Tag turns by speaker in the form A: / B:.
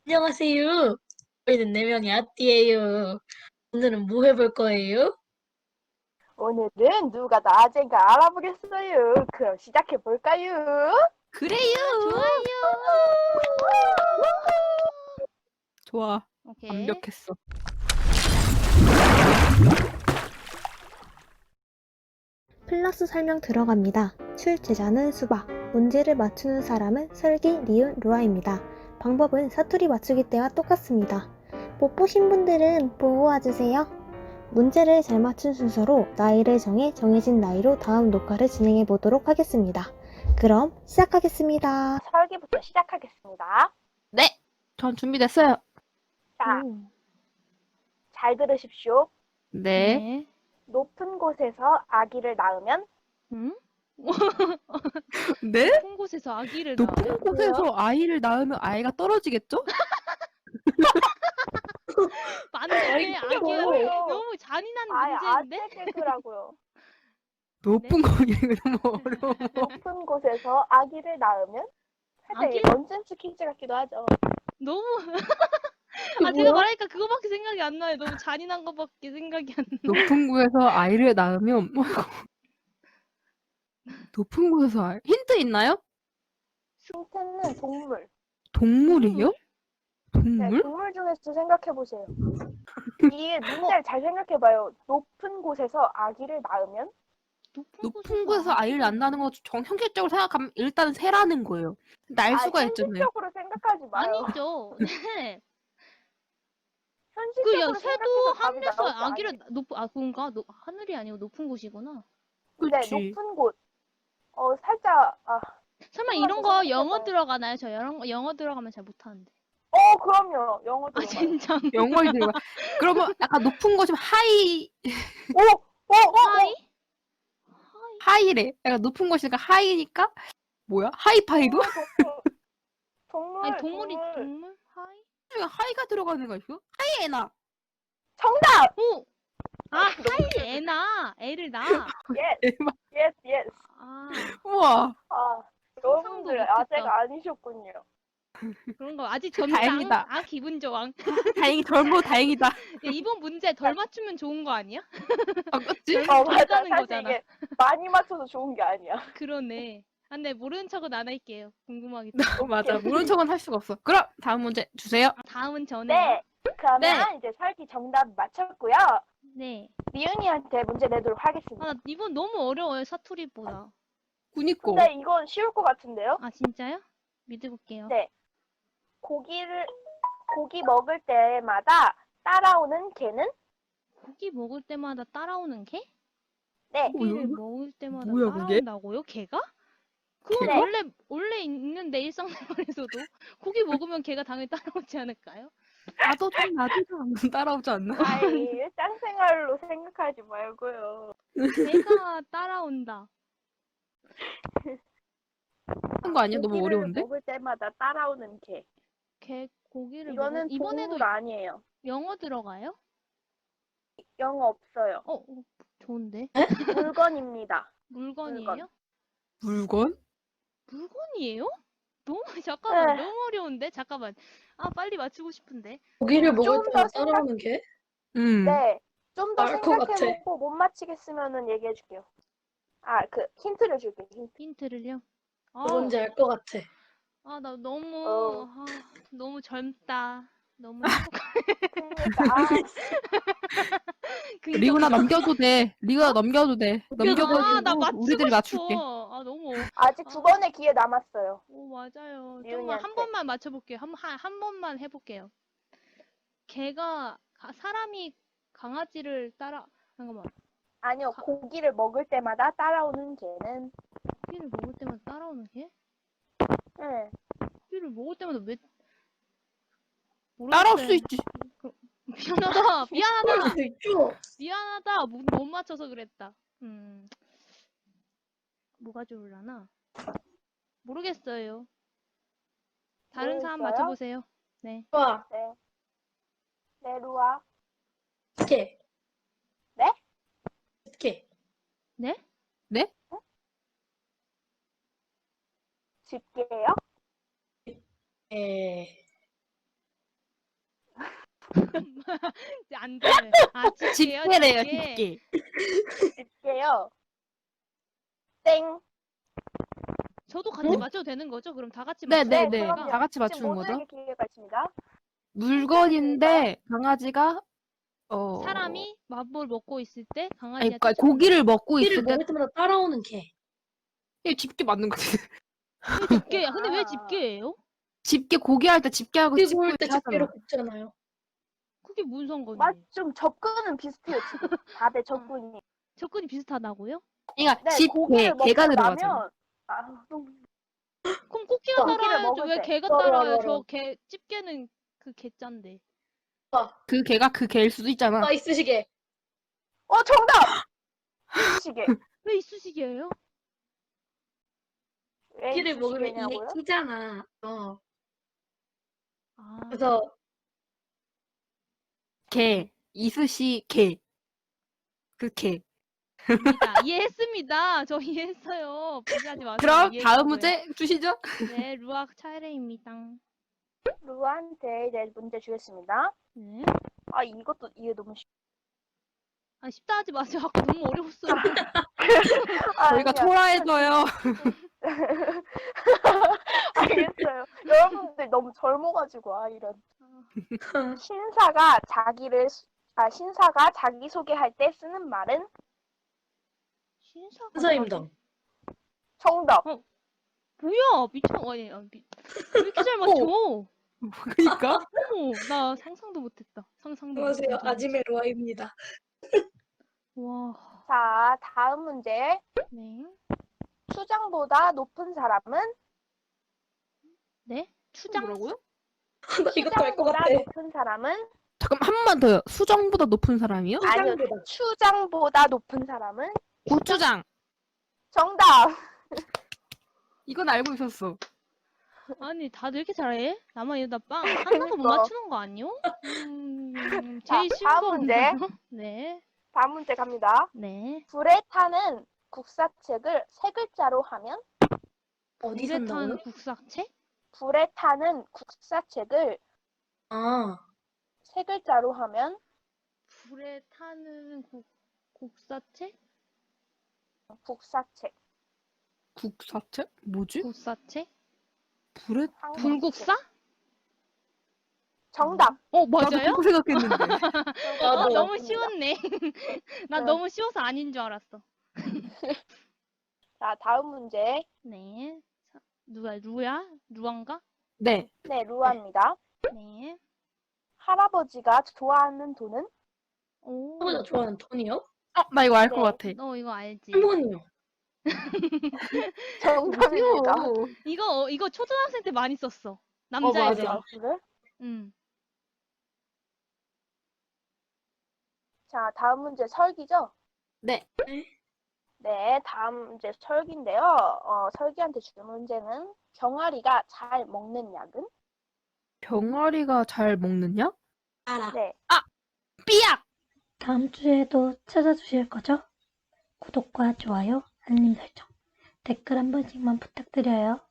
A: 안녕하세요. 저희는 4명의 아띠예요. 오늘은 뭐 해볼 거예요?
B: 오늘은 누가 나아진가 알아보겠어요. 그럼 시작해볼까요?
C: 그래요.
D: 좋아요.
C: 좋아.
D: 오케이.
C: 완벽했어.
E: 플러스 설명 들어갑니다. 출제자는 수박, 문제를 맞추는 사람은 설기, 리은, 루아입니다. 방법은 사투리 맞추기 때와 똑같습니다. 못 보신 분들은 보고 와주세요. 문제를 잘 맞춘 순서로 나이를 정해 정해진 나이로 다음 녹화를 진행해 보도록 하겠습니다. 그럼 시작하겠습니다.
B: 설계부터 시작하겠습니다.
C: 네. 전 준비됐어요.
B: 자,
D: 오.
B: 잘 들으십시오.
C: 네.
B: 높은 곳에서 아기를 낳으면
D: 응?
C: 네?
D: 높은 곳에서 아기를 낳아요?
C: 높은 곳에서 아이를 낳으면 아이가 떨어지겠죠?
D: 맞네. 아기가
B: 뭐예요?
D: 너무 잔인한
B: 아예
D: 문제인데?
B: 아재 개그라고요.
C: 높은 곳이 너무 어려워.
B: 높은 곳에서 아기를 낳으면 살짝
D: 아기?
B: 넌센스 퀴즈 같기도 하죠.
D: 너무
A: 이게
D: 제가
A: 뭐야?
D: 말하니까 그거밖에 생각이 안 나요. 너무 잔인한 거밖에 생각이 안 나.
C: 높은 곳에서 아이를 낳으면 높은 곳에서 힌트 있나요?
B: 힌트는 동물.
C: 동물이요?
B: 네,
C: 동물?
B: 동물 중에서 생각해보세요. 이 문제를 잘 생각해봐요. 높은 곳에서 아기를 낳으면
C: 높은 곳에서 아이를 낳는다는 거 현실적으로 생각하면 일단 새라는 거예요. 날 수가 있잖아요.
B: 현실적으로 생각하지 마요.
D: 아니죠. 네.
B: 현실적으로
D: 새도
B: 생각해서 답이
D: 하늘에서
B: 나올 거
D: 아기를
B: 아니에요.
D: 그런가? 하늘이 아니고 높은 곳이구나.
B: 네,
C: 그치.
B: 높은 곳. 살짝
D: 설마
B: 조금만
D: 이런
B: 더
D: 거
B: 생각해봐요.
D: 영어 들어가나요? 저 영어 들어가면 잘 못하는데.
B: 그럼요. 영어
D: 아
B: 들어가요.
D: 진짜.
C: 영어에 들어가. 그러면 약간 높은 곳이면 하이,
D: 하이?
C: 하이래. 약간 높은 곳이니까 하이니까 뭐야? 하이파이브?
B: 동물.
D: 아니 동물? 하이?
C: 하이가 들어가는 거 있어? 하이에나.
B: 정답!
D: 오! 하이 애나 애를 낳아.
B: Yes,
C: 대박.
B: yes, yes.
D: 아
C: 우와.
B: 여러분들
D: 못했다.
B: 아재가 아니셨군요.
D: 그런 거 아직 점장.
C: 다행이다.
D: 기분 좋아.
C: 다행히 젊어 다행이다.
D: 야, 이번 문제 덜 맞추면 좋은 거 아니야?
C: 아, 그치?
D: 덜
B: 맞아.
D: 가는
B: 사실
D: 거잖아.
B: 이게 많이 맞춰서 좋은 게 아니야.
D: 그러네. 근데 모르는 척은 안 할게요. 궁금하기
C: 맞아. 모른 척은 할 수가 없어. 그럼 다음 문제 주세요.
D: 다음은 저네요.
B: 네. 그러면
C: 네.
B: 이제 설기 정답 맞췄고요.
D: 네.
B: 미은이한테 문제 내도록 하겠습니다.
D: 나 이번 너무 어려워요. 사투리보다.
C: 그니까.
B: 근데 이건 쉬울 것 같은데요?
D: 진짜요? 믿어볼게요.
B: 네. 고기 먹을 때마다 따라오는 개는?
D: 고기 먹을 때마다 따라오는 개?
B: 네.
D: 고기를 먹을 때마다
C: 뭐야, 그게?
D: 따라온다고요? 개가? 그건
B: 네.
D: 원래 있는데 일상생활에서도 고기 먹으면 개가 당연히 따라오지 않을까요?
C: 나도 좀 따라오지 않나?
B: 일상생활로 생각하지 말고요.
D: 개가 따라온다.
C: 하는 거 아니야? 너무
B: 고기를
C: 어려운데?
B: 먹을 때마다 따라오는 개.
D: 개 고기를
B: 이거는
D: 이번에도
B: 동물 아니에요.
D: 영어 들어가요?
B: 영어 없어요.
D: 좋은데.
B: 물건입니다.
D: 물건이에요?
C: 물건?
D: 물건이에요? 잠깐만.
B: 네.
D: 너무 어려운데. 잠깐만. 빨리 맞추고 싶은데.
A: 고기를 먹을
B: 좀
A: 때마다
B: 더
A: 따라오는 게?
B: 네. 좀 더
A: 알 것 같아.
B: 생각해보고 못 맞히겠으면은 얘기해줄게요. 힌트를 줄게요. 힌트.
D: 힌트를요?
A: 뭔지 알 것 같아.
D: 나 너무
B: 어.
D: 너무 젊다. 너무
B: 그러니까
C: 리우나 넘겨도 돼. 리우나 넘겨도 돼.
A: 넘겨도
D: 나
C: 넘겨가지고
D: 맞추고
C: 우리들이
D: 싶어.
C: 맞출게.
D: 너무.
B: 아직 두 번의 기회 남았어요.
D: 맞아요. 좀만
B: 리은이한테.
D: 한 번만 맞춰볼게요. 한 번만 해볼게요. 사람이 강아지를 잠깐만.
B: 아니요, 고기를 먹을 때마다 따라오는 개는?
D: 고기를 먹을 때마다 따라오는 개?
B: 네.
D: 고기를 먹을 때마다 왜?
C: 따라올
D: 모르겠어요.
C: 수 있지.
D: 미안하다.
A: 그럴 수 있죠.
D: 미안하다. 못 맞춰서 그랬다. 뭐가 좋을라나? 모르겠어요. 다른 사람
B: 모르겠어요?
D: 맞춰보세요. 네.
A: 좋아.
B: 네. 네, 루아.
A: 개.
B: 네?
A: 개.
D: 네?
C: 네?
B: 집게요?
A: 에.
D: 안 돼. 아, 집게요?
C: 집게래요,
D: 집게.
C: 집게.
B: 집게요. 땡.
D: 저도 같이
A: 어?
D: 맞춰도 되는 거죠? 그럼 다 같이
C: 네,
D: 맞춰도
C: 네, 네.
B: 그럼요.
C: 다 같이
B: 지금
C: 맞추는 거죠?
B: 모두에게 기회가 있습니다.
C: 물건인데 강아지가
D: 사람이 밥을 먹고 있을 때
C: 아니,
D: 강아지가
C: 그러니까 고기를 먹고
A: 고기를
C: 있을 때
A: 먹을 때마다 따라오는 개.
C: 이게 집게 맞는 거지.
D: 왜 집게야? 근데 왜
B: 아.
D: 집게예요?
C: 집게 고기 할 때 집게하고
A: 고기
C: 집고
A: 구울 때
C: 이렇게
A: 집게로
C: 하잖아.
A: 굽잖아요.
D: 그게 무슨 상관이에요?
B: 좀 접근은 비슷해요, 지금. 다들 접근이.
D: 접근이 비슷하다고요?
C: 그러니까
B: 네,
C: 집게
B: 고기를 먹고
C: 개가 들어가잖아.
B: 나면 너무
D: 그럼 꽃게가
B: 고기를
D: 따라야죠.
B: 먹을
D: 왜
B: 때.
D: 개가
A: 따라,
D: 따라요?
A: 따라.
D: 저 개 집게는 그 개짠데.
C: 그 개가 그 개일 수도 있잖아.
A: 있으시게.
B: 정답! 시계.
D: 왜 이쑤시개예요?
B: 왜
A: 고기를 먹으면 이게
B: 시계냐고요?
A: 끼잖아.
D: 아,
A: 그래서
C: 개, 이쑤시 개. 그 개.
D: 입니다. 이해했습니다. 저 이해했어요. 비교하지 마세요.
C: 그럼
D: 이해했고요.
C: 다음 문제 주시죠.
D: 네, 루악 차례입니다.
B: 루한테 이제 문제 주겠습니다.
D: 네.
B: 이게 너무 쉽.
D: 아, 쉽다 하지 마세요. 아까 너무 어려웠어요.
C: 저희가 초라해져요.
B: 알겠어요. 여러분들 너무 젊어가지고 이런.
D: 아,
B: 신사가 자기 소개할 때 쓰는 말은
D: 신사가
A: 선생님도.
B: 정답.
D: 뭐야? 아니, 왜 이렇게 잘 맞춰?
C: 그러니까
D: 어머, 나 상상도 못했다. 상상도
A: 안녕하세요.
D: 못했다.
A: 아지메 로아입니다.
D: 와,
B: 자, 다음 문제.
D: 네.
B: 추장보다 높은 사람은
D: 네? 추장?
C: 뭐라고요?
A: 나 이것도 알 것
B: 추장보다
A: 같아.
B: 높은 사람은
C: 잠깐 한 번만 더요. 수정보다 높은 사람이요?
B: 아니요.
A: 추장보다.
B: 추장보다 높은 사람은
C: 고추장.
B: 정답.
C: 이건 알고 있었어.
D: 아니, 다들 이렇게 잘해? 나만 이러다 빵 하나도 못
B: 그러니까.
D: 맞추는 거 아니요?
B: 자,
D: 제일 쉬운
B: 다음
D: 거
B: 문제.
D: 없나요? 네,
B: 다음 문제 갑니다.
D: 네.
B: 불에 타는 국사책을 세 글자로 하면
A: 어디
D: 물에 탄
A: 산다고요?
D: 국사책?
B: 불에 타는 국사책을
A: 아,
B: 세 글자로 하면
D: 불에 타는 국사책?
B: 국사책.
C: 국사책? 뭐지?
D: 국사책?
C: 불에
B: 한국책.
D: 불국사?
B: 정답.
C: 나도
D: 맞아요?
C: 그렇게 생각했는데.
A: 나도.
D: 너무 쉬웠네. 난
B: 네.
D: 너무 쉬워서 아닌 줄 알았어.
B: 자, 다음 문제.
D: 네. 루야? 루안가?
C: 네.
B: 네, 루아입니다.
D: 네.
B: 할아버지가 좋아하는 돈은
D: 오.
A: 할아버지가 좋아하는 돈이요?
C: 나 이거 알 것
B: 네.
C: 같아.
D: 너 이거 알지?
A: 할머니요.
B: 정답입니다.
D: 이거 초등학생 때 많이 썼어.
A: 맞아.
D: 남자애들.
B: 그래?
D: 응.
B: 자, 다음 문제 설기죠?
C: 네.
B: 네, 다음 문제 설기인데요. 설기한테 줄 문제는 병아리가 잘 먹는 약은?
C: 병아리가 잘 먹느냐?
A: 알아.
B: 네.
C: 삐약!
E: 다음 주에도 찾아주실 거죠? 구독과 좋아요, 알림 설정, 댓글 한 번씩만 부탁드려요.